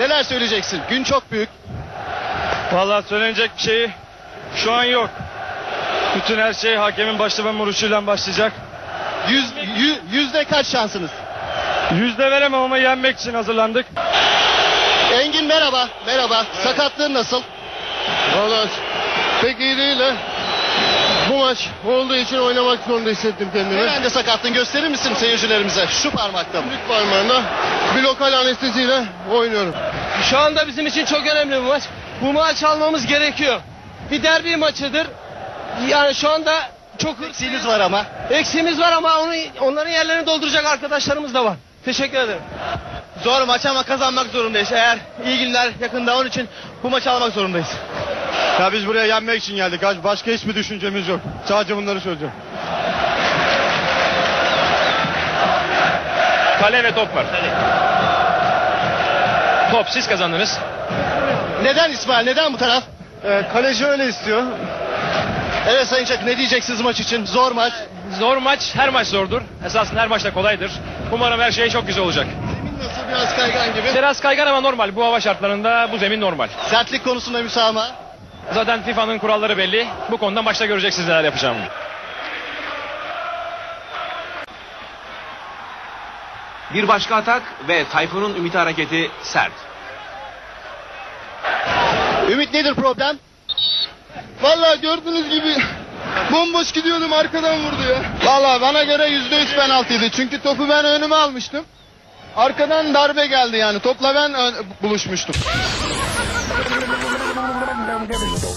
Neler söyleyeceksin? Gün çok büyük. Vallahi söylenecek bir şey şu an yok. Bütün her şey hakemin başlama vuruşuyla başlayacak. Yüzde kaç şansınız? Yüzde veremem ama yenmek için hazırlandık. Engin merhaba. Merhaba. Sakatlığın nasıl? Vallahi pek iyi değil ha. Bu maç olduğu için oynamak zorunda hissettim kendimi. Nerede sakatlığın gösterir misin seyircilerimize? Şu parmakta mı? Büyük parmağında bir lokal anesteziyle oynuyorum. Şu anda bizim için çok önemli bir maç. Bu maç almamız gerekiyor. Bir derbi maçıdır. Yani şu anda çok Eksiğiniz var ama. eksiğimiz var ama onların yerlerini dolduracak arkadaşlarımız da var. Teşekkür ederim. Zor maç ama kazanmak zorundayız. Eğer iyi günler yakında, onun için bu maçı almak zorundayız. Ya biz buraya yenmek için geldik. Başka hiçbir düşüncemiz yok. Sadece bunları söyleyeceğim. Kale ve top var. Top siz kazandınız. Neden İsmail? Neden bu taraf? Kaleci öyle istiyor. Evet Sayın Çak, ne diyeceksiniz maç için? Zor maç. Zor maç, her maç zordur. Esasında her maç da kolaydır. Umarım her şey çok güzel olacak. Zemin nasıl? Biraz kaygan gibi. Biraz kaygan ama normal. Bu hava şartlarında bu zemin normal. Sertlik konusunda müsamaha. Zaten FIFA'nın kuralları belli. Bu konuda maçta göreceksiniz neler yapacağımı. Bir başka atak ve Tayfun'un Ümit hareketi sert. Ümit, nedir problem? Vallahi gördüğünüz gibi bomboş gidiyordum, arkadan vurdu ya. Vallahi bana göre %100 penaltıydı. Çünkü topu ben önüme almıştım. Arkadan darbe geldi yani. Topla ben buluşmuştum.